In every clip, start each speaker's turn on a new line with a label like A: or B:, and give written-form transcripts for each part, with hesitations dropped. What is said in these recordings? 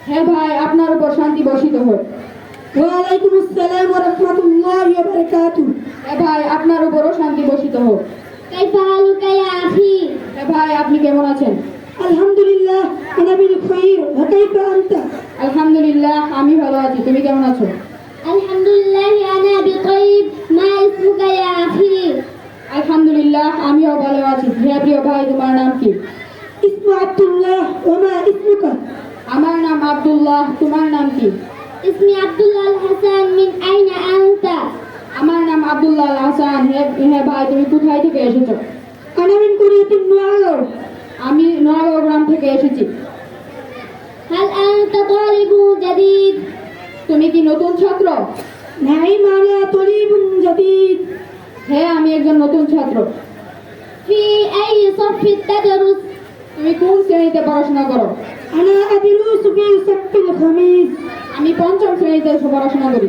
A: হে ভাই, আপনার উপর শান্তি বর্ষিত হোক।
B: ওয়ালাইকুম আসসালাম ওয়া রাহমাতুল্লাহি ওয়া বারাকাতুহু।
A: হে ভাই, আপনার উপরও শান্তি বর্ষিত হোক।
C: কাইফা হালুকা ইয়া আখি?
A: হে ভাই, আপনি কেমন আছেন?
B: আলহামদুলিল্লাহ আনা বিল খাইর ওয়া কাইফা আনতা?
A: আলহামদুলিল্লাহ, আমি ভালো আছি। তুমি কেমন আছো?
C: আলহামদুলিল্লাহ আনা বিতাইব। মা ইসমুকা ইয়া আখি?
A: আলহামদুলিল্লাহ, আমিও ভালো আছি। হে প্রিয় ভাই, তোমার নাম কি?
B: ইসমু আব্দুল্লাহ ওয়া মা ইসমুকা?
A: আমার নাম আব্দুল্লাহ। তোমার নাম কি?
C: ইসমি আব্দুল্লাহ আল হাসান। মিন আইনা আনতা?
A: আমার নাম আব্দুল্লাহ আল হাসান। হে ভাই, তুমি কোথায় থেকে এসেছো?
B: আনা মিন কুরিয়াতিন নুআগাঁও।
A: আমি নোয়াগাঁও গ্রাম থেকে এসেছি।
C: হাল আনতা তালিবু জাদীদ?
A: তুমি কি নতুন ছাত্র?
B: নাইম আনা তলিবুন জাদীদ।
A: হ্যাঁ, আমি একজন নতুন ছাত্র।
C: ফি আই সাফি তাদরুস?
A: তুমি কোন শ্রেণীতে পড়াশোনা করো?
B: আনা আদরুসু ফি সাফিল খামিস।
A: আমি পঞ্চম শ্রেণীতে পড়াশোনা করি।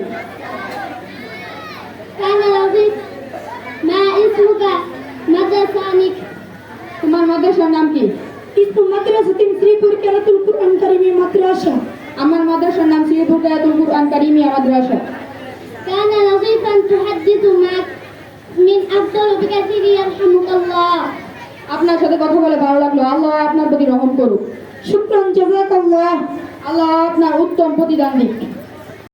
C: কানা লাযীফ। মা ইসমুকা? মাদ্রাসানিক?
A: তোমার মাদ্রাসার নাম কি?
B: ইসমু মাদ্রাসাতিন শ্রীপুর কিরাতুল কুরআন কারীমি মাদ্রাসা।
A: আমার মাদ্রাসার নাম শ্রীপুর কিরাতুল কুরআন কারীমিয়া মাদ্রাসা।
C: কানা লাযীফান তুহাদ্দিসু মাক মিন আফদাল বিকাসিরি ইয়ারহামুকাল্লাহ।
A: আপনার সাথে কথা বলে ভালো লাগলো। আল্লাহ আপনার প্রতি রহম করুক।
B: শুকরান জাযাকাল্লাহ।
A: আল্লাহ আপনার উত্তম প্রতিদান দিক।